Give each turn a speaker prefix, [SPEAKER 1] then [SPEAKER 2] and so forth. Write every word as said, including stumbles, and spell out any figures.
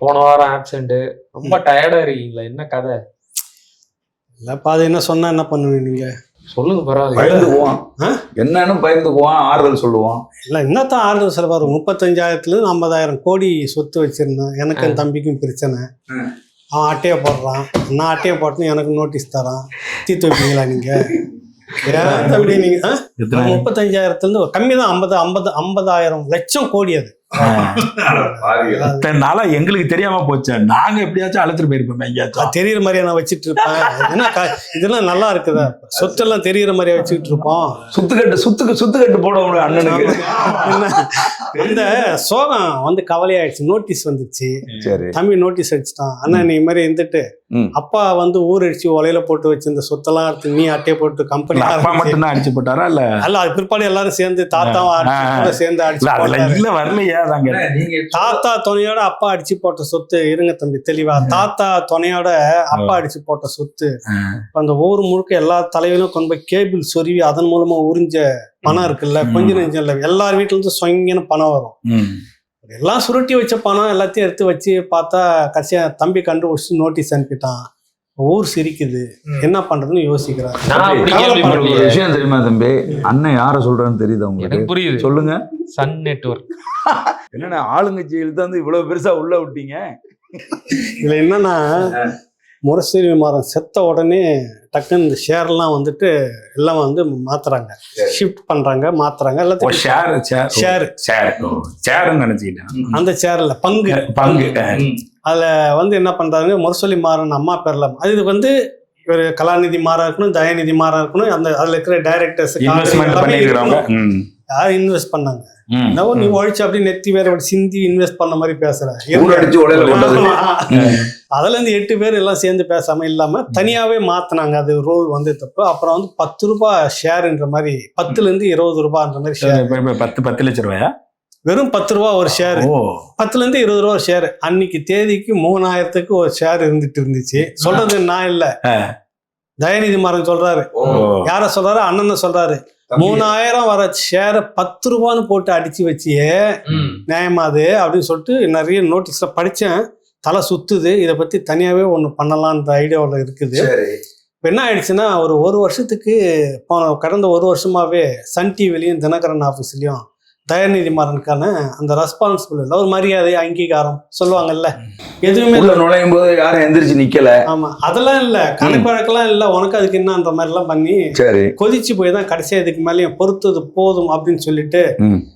[SPEAKER 1] போன வாரம் ஆப்சென்ட், ரொம்ப டயர்டா இருக்கீங்களா? என்ன கதை?
[SPEAKER 2] இல்லப்பா, அது என்ன சொன்னா என்ன பண்ணுவீங்க நீங்க?
[SPEAKER 1] சொல்லுங்க, பரவாயில்ல.
[SPEAKER 3] பயந்துக்குவான், என்னன்னு பயந்துக்குவான், ஆறுதல் சொல்லுவான்.
[SPEAKER 2] இல்லை என்னத்தான் ஆறுதல் செலவாரு? முப்பத்தஞ்சாயிரத்துலேருந்து ஐம்பதாயிரம் கோடி சொத்து வச்சிருந்தேன். எனக்கு என் தம்பிக்கும் பிரச்சனை. அவன் அட்டையை போடுறான், நான் அட்டையை போட்டுன்னு எனக்கு நோட்டீஸ் தரான். தீர்த்து வைப்பீங்களா நீங்க? ஏன் தம்பி நீங்க முப்பத்தஞ்சாயிரத்துலேருந்து கம்மி தான், ஐம்பது ஐம்பது ஐம்பதாயிரம் லட்சம் கோடி. அது
[SPEAKER 4] நாளா எங்களுக்கு தெரியாம போச்சு. நாங்க எப்படியாச்சும் அழைச்சிட்டு போயிருப்போம். எங்கேயாச்சும்
[SPEAKER 2] தெரியுற மாதிரியா நான் வச்சுட்டு இருப்பேன். ஏன்னா இதெல்லாம் நல்லா இருக்குதா? சொத்தெல்லாம் தெரியுற மாதிரியா வச்சுக்கிட்டு இருப்போம்.
[SPEAKER 4] சுத்துக்கட்டு சுத்துக்கு சுத்துக்கட்டு போட அண்ணனுக்கு
[SPEAKER 2] இந்த சோகம் வந்து கவலையாயிடுச்சு. நோட்டீஸ் வந்துச்சு. தம்பி நோட்டீஸ் அடிச்சுட்டான். அண்ணா நீ மாதிரி இருந்துட்டு அப்பா வந்து ஊர் அடிச்சு ஒலையில போட்டு வச்சு இந்த சொத்தெல்லாம் எடுத்து நீ அட்டையை போட்டு கம்பெனி
[SPEAKER 4] மட்டும் அடிச்சு போட்டாரா? இல்ல
[SPEAKER 2] அல்ல, அது பிற்பாடு எல்லாரும் சேர்ந்து தாத்தாவும் சேர்ந்து அடிச்சு
[SPEAKER 4] வரலையா?
[SPEAKER 2] தாத்தா துணையோட அப்பா அடிச்சு போட்ட சொத்து. இருங்க தம்பி தெளிவா. தாத்தா துணையோட அப்பா அடிச்சு போட்ட சொத்து அந்த ஊர் முழுக்க எல்லா தலைவரும் கொண்டு போய் கேபிள் சொருவி அதன் மூலமா உறிஞ்ச பணம் இருக்குல்ல, கொஞ்சம் நெஞ்சம் இல்லை. எல்லார் வீட்டுல இருந்து சொங்கன்னு பணம் வரும். எல்லாம் சுருட்டி வச்ச பணம் எல்லாத்தையும் எடுத்து வச்சு பார்த்தா கடைசியா தம்பி கண்டுபிடிச்சு நோட்டீஸ் அனுப்பிட்டான். ஊர் சிரிக்குது, என்ன பண்றதுன்னு யோசிக்கிறாரு.
[SPEAKER 3] விஷயம் தெரியுமா தம்பி? அண்ணன் யார சொல்றான்னு தெரியுது உங்களுக்கு?
[SPEAKER 1] புரியுது,
[SPEAKER 3] சொல்லுங்க.
[SPEAKER 1] Sun Network.
[SPEAKER 3] என்னன்னா ஆளுங்கட்சியில் தான் இவ்வளவு பெருசா உள்ள விட்டீங்க.
[SPEAKER 2] இதுல என்னன்னா, முரசொலி மாறன் செத்த உடனே டக்குன்னு இந்த ஷேர்லாம் வந்துட்டு எல்லாம் வந்து மாத்துறாங்க, ஷிஃப்ட் பண்றாங்க, மாத்துறாங்க. எல்லாத்தையும் ஷேர் ஷேர்
[SPEAKER 4] நினைச்சுக்கிட்டேன்.
[SPEAKER 2] அந்த ஷேர்ல பங்கு
[SPEAKER 4] பங்கு
[SPEAKER 2] அதுல வந்து என்ன பண்றாங்க, முரசொலி மாறன் அம்மா பேர்ல. அது இது வந்து ஒரு கலாநிதி மாறா இருக்கணும், தயாநிதி மாறா இருக்கணும். அந்த அதுல இருக்கிற டைரக்டர்ஸ் யாரும் இன்வெஸ்ட் பண்ணாங்க. நீ ஒழிச்சு அப்படி நெத்தி வேற சிந்தி இன்வெஸ்ட் பண்ண மாதிரி பேசுற. அதுல இருந்து எட்டு பேர் எல்லாம் சேர்ந்து பேசாம இல்லாம தனியாவே மாத்தினாங்க. அது ரோல் வந்து தப்பு. அப்புறம் வந்து பத்து ரூபாய் ஷேர்ன்ற மாதிரி, பத்துல இருந்து இருபது ரூபாய்ன்ற மாதிரி ஷேர்.
[SPEAKER 4] பத்து பத்து லட்சம் ரூபாயா?
[SPEAKER 2] வெறும் பத்து ரூபா ஒரு ஷேர். பத்துல இருந்து இருபது ரூபா ஷேர். அன்னைக்கு தேதிக்கு மூணாயிரத்துக்கு ஒரு ஷேர் இருந்துட்டு இருந்துச்சு. சொல்றது நான் இல்ல, தயாநிதி மாறன் சொல்றாரு. யார சொல்றாரு? அண்ணன் சொல்றாரு. மூணாயிரம் வர ஷேரை பத்து ரூபான்னு போட்டு அடிச்சு வச்சியே நியாயமாது அப்படின்னு சொல்லிட்டு நிறைய நோட்டீஸ்ல படிச்சேன். தலை சுத்துது. இதை பத்தி தனியாவே ஒண்ணு பண்ணலான்ற ஐடியாவில் இருக்குது. இப்போ என்ன ஆயிடுச்சுன்னா, ஒரு ஒரு வருஷத்துக்கு கடந்த ஒரு வருஷமாவே சன் டிவிலையும் தினகரன் ஆஃபீஸ்லயும் தயாநிதி மாறனுக்கான அந்த ரெஸ்பான்சிபிள் இல்லை, ஒரு மரியாதை அங்கீகாரம் சொல்லுவாங்கல்ல, எதுவுமே
[SPEAKER 3] நுழையும் போது யாரும் எந்திரிச்சு நிக்கல.
[SPEAKER 2] ஆமா, அதெல்லாம் இல்ல, கணக்கு வழக்கெல்லாம் இல்ல. உனக்கு அதுக்கு என்னன்ற மாதிரி எல்லாம் பண்ணி கொதிச்சு போய் தான் கடைசியா இதுக்கு மேலேயும் பொறுத்தது போதும் அப்படின்னு சொல்லிட்டு